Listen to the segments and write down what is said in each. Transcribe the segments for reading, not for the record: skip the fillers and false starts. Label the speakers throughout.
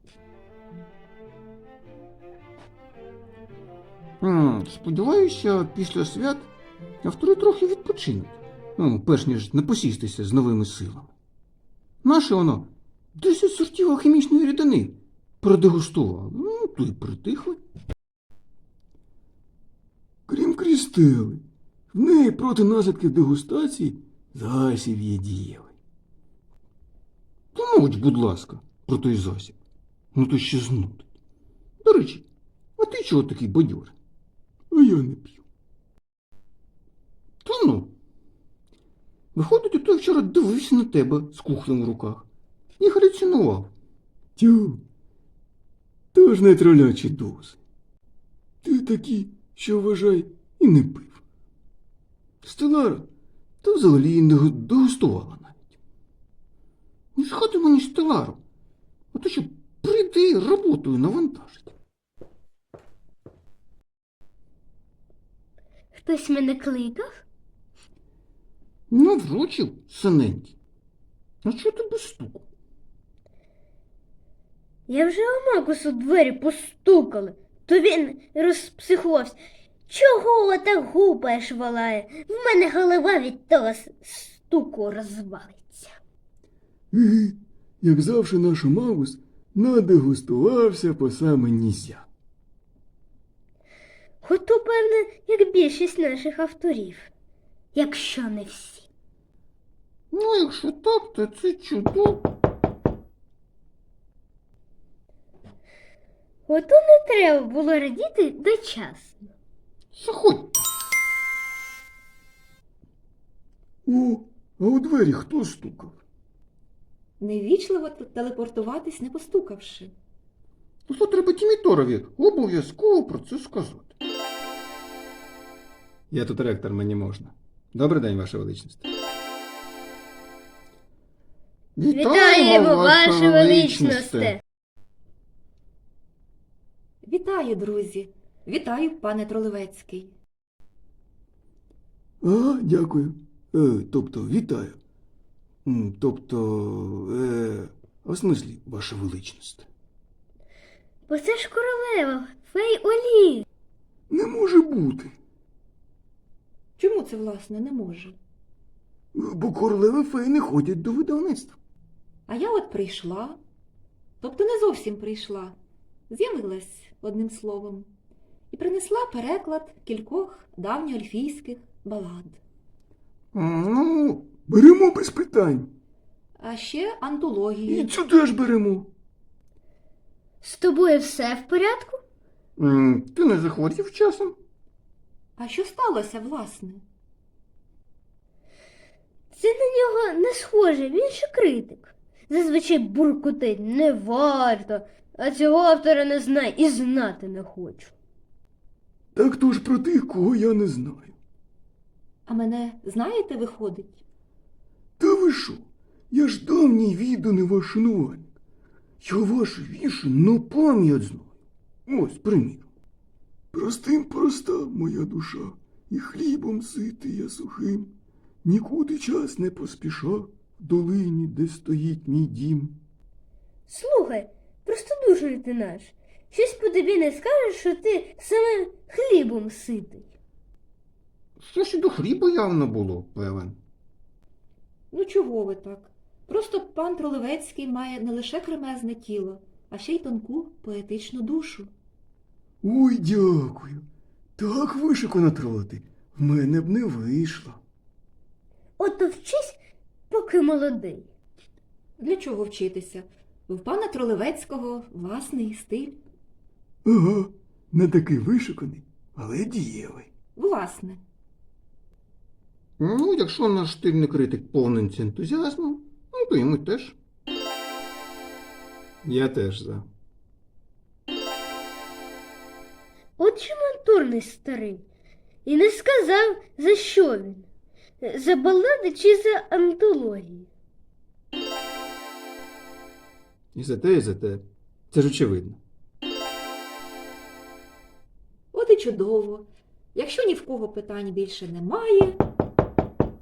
Speaker 1: Сподіваюся, після свят автори трохи відпочинуть, перш ніж не посістися з новими силами. Наше воно 10 сортів алхімічної рідини продегустували, то й притихли. Крім Крістели, в неї проти наслідків дегустації засіб є дієвий. То мовч, будь ласка, про той засіб. То ще знудить. До речі, а ти чого такий бадьорий? А я не п'ю. Та ну. Виходить, ото вчора дивився на тебе з кухлем в руках і галюцинував. Тю, то ж не тролячі дози. Ти такий, що, вважай, і не пив. Стелара, та взагалі і не дегустувала навіть. Не згадуй мені Стелару, а то що прийде і роботою навантажить.
Speaker 2: Хтось мене кликав?
Speaker 1: Наврочив, синенький. А чого ти без стуку?
Speaker 2: Я вже у Макусу двері постукали, то він розпсихувався. Чого так гупаєш, волає? В мене голова від того стуку розвалиться.
Speaker 1: Як завжди наш Магус надегустувався по саме нізя.
Speaker 2: Ото, певне, як більшість наших авторів, якщо не всі.
Speaker 1: Якщо так, то це чудово.
Speaker 2: Ото не треба було радіти дочасно.
Speaker 1: Заходьте. О, а у двері хто стукав?
Speaker 3: Невічливо телепортуватись, не постукавши.
Speaker 1: То треба Тіміторові обов'язково про це сказати. Я тут ректор, мені можна. Добрий день, Ваша Величність.
Speaker 2: Вітаємо, Ваше Величносте!
Speaker 3: Вітаю, друзі! Вітаю, пане Тролевецький!
Speaker 1: Дякую. Тобто, вітаю. А в смислі, Ваша Величність?
Speaker 2: Бо це ж королева, фей Олі.
Speaker 1: Не може бути.
Speaker 3: Чому це, власне, не може?
Speaker 1: Бо королеви феї не ходять до видавництва.
Speaker 3: А я от прийшла, тобто не зовсім прийшла, з'явилась, одним словом, і принесла переклад кількох давньоельфійських балад.
Speaker 1: Беремо без питань.
Speaker 3: А ще антології.
Speaker 1: І цю теж беремо.
Speaker 2: З тобою все в порядку?
Speaker 1: Ти не захворів часом?
Speaker 3: А що сталося, власне?
Speaker 2: Це на нього не схоже, він ще критик. Зазвичай буркотить не варто, а цього автора не знає і знати не хочу.
Speaker 1: Так то ж про тих, кого я не знаю.
Speaker 3: А мене, знаєте, виходить?
Speaker 1: Та ви що? Я ж давній відданий ваш шанувальник. Я ваші вірші на пам'ять знаю. Ось, приміром. Простим проста моя душа, і хлібом ситий я сухим. Нікуди час не поспіша в долині, де стоїть мій дім.
Speaker 2: Слухай, простодушний ти наш. Щось по тобі не скажеш, що ти самим хлібом ситий.
Speaker 1: Що ж і до хліба явно було, певен.
Speaker 3: Ну чого ви так? Просто пан Тролевецький має не лише кремезне тіло, а ще й тонку поетичну душу.
Speaker 1: Ой, дякую. Так вишикано тролити. В мене б не вийшло.
Speaker 2: Ото вчись, поки молодий.
Speaker 3: Для чого вчитися? В пана Тролевецького власний стиль.
Speaker 1: Ага, не такий вишиканий, але дієвий.
Speaker 3: Власне.
Speaker 1: Якщо наш стильний критик повниться ентузіазмом, то і ми теж. Я теж за.
Speaker 2: От же мантурний старий. І не сказав, за що він. За балади чи за антології.
Speaker 1: І за те, і за те. Це ж очевидно.
Speaker 3: От і чудово. Якщо ні в кого питань більше немає...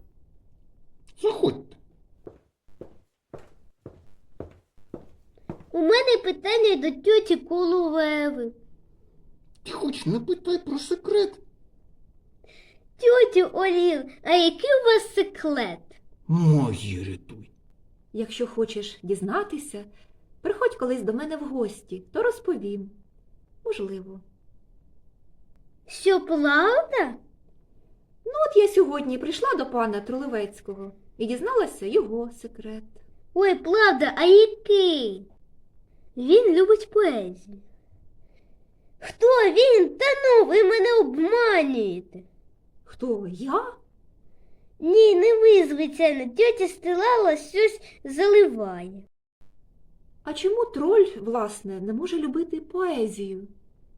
Speaker 1: Заходьте.
Speaker 2: У мене питання до тьоті Коловеви.
Speaker 1: Ти хоч не питай про секрет.
Speaker 2: Тьотю Олів, а який у вас секрет?
Speaker 1: Мої рятуй.
Speaker 3: Якщо хочеш дізнатися, приходь колись до мене в гості, то розповім. Можливо.
Speaker 2: Що, правда?
Speaker 3: Ну, от я сьогодні прийшла до пана Тролевецького і дізналася його секрет.
Speaker 2: Ой, правда, а який? Він любить поезію. Хто він? Та ну, ви мене обманюєте.
Speaker 3: Хто? Я?
Speaker 2: Ні, не ви, звичайно, тьотя Стелала щось заливає.
Speaker 3: А чому троль, власне, не може любити поезію?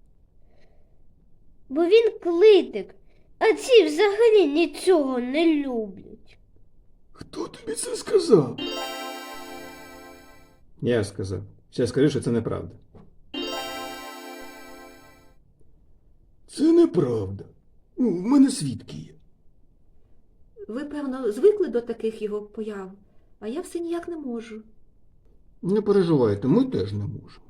Speaker 2: Бо він клитик, а ці взагалі нічого не люблять.
Speaker 1: Хто тобі це сказав? Я сказав. Ще скажи, що це неправда. Це неправда. Ну, в мене свідки є.
Speaker 3: Ви, певно, звикли до таких його появ, а я все ніяк не можу.
Speaker 1: Не переживайте, ми теж не можемо.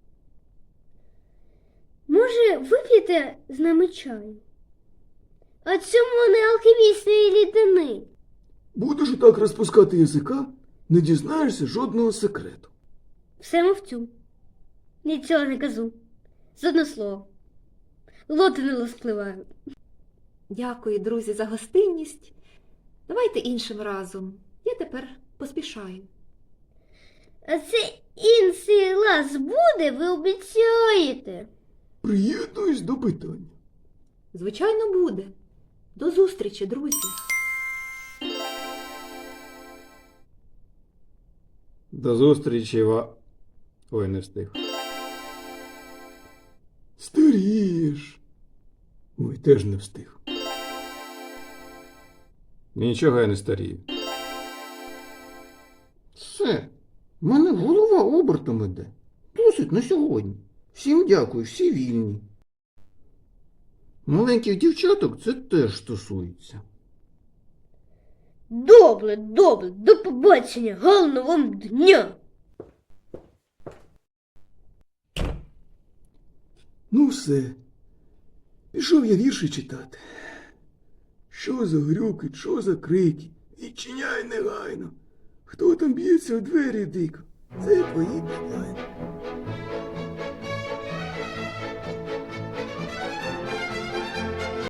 Speaker 2: Може, вип'єте з нами чаю? А чому не алхімічної рідини?
Speaker 1: Будеш так розпускати язика, не дізнаєшся жодного секрету.
Speaker 2: Все мовчу. Нічого не кажу. Жодне слово. Лоти не розпливають.
Speaker 3: Дякую, друзі, за гостинність. Давайте іншим разом. Я тепер поспішаю.
Speaker 2: А це інший раз буде, ви обіцяєте?
Speaker 1: Приєднуюсь до питання.
Speaker 3: Звичайно, буде. До зустрічі, друзі.
Speaker 1: До зустрічі, Ой, не встиг. Старієш. Ой, теж не встиг. Нічого я не старію. Все. В мене голова обертом іде. Досить на сьогодні. Всім дякую, всі вільні. Маленьких дівчаток це теж стосується.
Speaker 2: Добре, добре, до побачення, гарного вам дня!
Speaker 1: Ну все. Пішов я вірші читати. Що за грюки, що за крики? Відчиняй негайно. Хто там б'ється у двері дико? Це твої питання.